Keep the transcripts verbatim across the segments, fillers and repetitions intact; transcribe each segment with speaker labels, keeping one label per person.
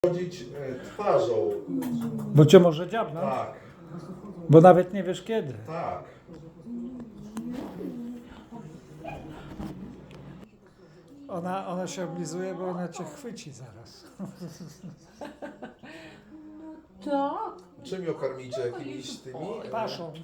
Speaker 1: chodzić e, twarzą.
Speaker 2: Bo cię może dziabnąć,
Speaker 1: Tak,
Speaker 2: bo nawet nie wiesz kiedy.
Speaker 1: tak.
Speaker 2: Ona, ona się oblizuje, bo ona cię chwyci zaraz.
Speaker 3: Tak.
Speaker 1: Czym ją karmicie? Jakimiś tymi? e,
Speaker 2: Paszą.
Speaker 1: e,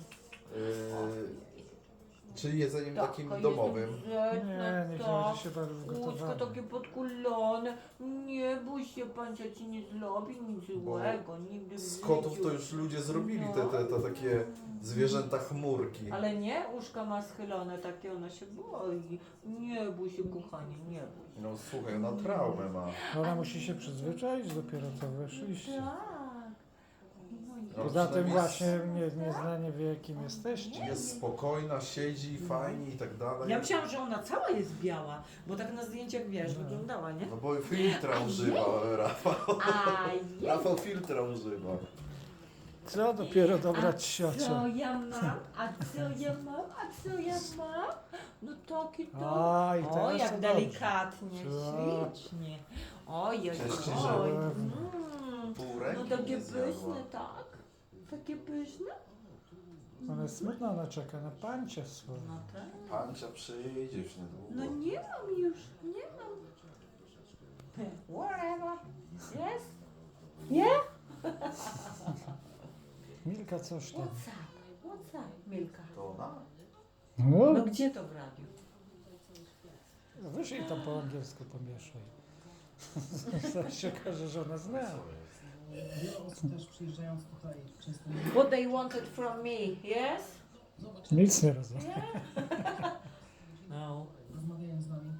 Speaker 1: czy jedzeniem takim
Speaker 3: Taka
Speaker 1: domowym?
Speaker 3: jest
Speaker 2: Nie,
Speaker 3: grzeczna,
Speaker 2: nie
Speaker 3: tak.
Speaker 2: będzie się bardzo
Speaker 3: Łóżko
Speaker 2: gotowane.
Speaker 3: takie podkulone. Nie bój się, pan ci nie zrobi nic złego. Nigdy w
Speaker 1: Z kotów
Speaker 3: życiu.
Speaker 1: to już ludzie zrobili te, te, te takie zwierzęta chmurki.
Speaker 3: Ale nie, uszka ma schylone takie, ona się boi. Nie bój się, kochanie, nie bój się.
Speaker 1: No słuchaj, ona traumę ma.
Speaker 2: Ona musi się przyzwyczaić, dopiero co weszliście.
Speaker 3: Tak. No i-
Speaker 1: No,
Speaker 2: Poza tym
Speaker 1: przynajmniej
Speaker 2: właśnie nie, nieznanie wie, kim jesteście.
Speaker 1: Jest spokojna, siedzi, fajnie i tak dalej.
Speaker 4: Ja myślałam, że ona cała jest biała, bo tak na zdjęciach, wiesz, wyglądała, nie?
Speaker 1: No bo filtra używa, Rafał.
Speaker 3: A ja,
Speaker 1: Rafał filtra używa.
Speaker 2: Co dopiero dobrać
Speaker 3: co
Speaker 2: siocio.
Speaker 3: ja mam? A co ja mam? A co ja mam? No taki to.
Speaker 2: Aj,
Speaker 3: O,
Speaker 2: teraz to
Speaker 3: jak
Speaker 2: dobrze.
Speaker 3: delikatnie,
Speaker 2: Co?
Speaker 3: ślicznie. Oj, oj,
Speaker 1: Cieszy,
Speaker 3: oj.
Speaker 1: że-
Speaker 3: Mm.
Speaker 1: Pół
Speaker 3: No
Speaker 1: ręki
Speaker 3: takie
Speaker 1: nie zjadła.
Speaker 3: pyszne, tak? Takie pyszne?
Speaker 2: Ona jest smutna, ona czeka na pancia swoje.
Speaker 3: No tak.
Speaker 1: Pancia przyjdzie już niedługo.
Speaker 3: No nie mam już, nie mam. Whatever. Yes? Yeah?
Speaker 2: Milka, coś tam.
Speaker 3: What's up? What's up, Milka?
Speaker 1: To ona?
Speaker 2: No,
Speaker 3: No gdzie to w radiu?
Speaker 2: wyszli tam po angielsku pomieszaj. Zaraz się okaże, że ona zna.
Speaker 5: Wiele osób też przyjeżdżając tutaj często nie
Speaker 3: What they wanted from me, yes?
Speaker 5: zobacz,
Speaker 2: Nic nie rozumiem.
Speaker 3: No.
Speaker 5: rozmawiają z nami.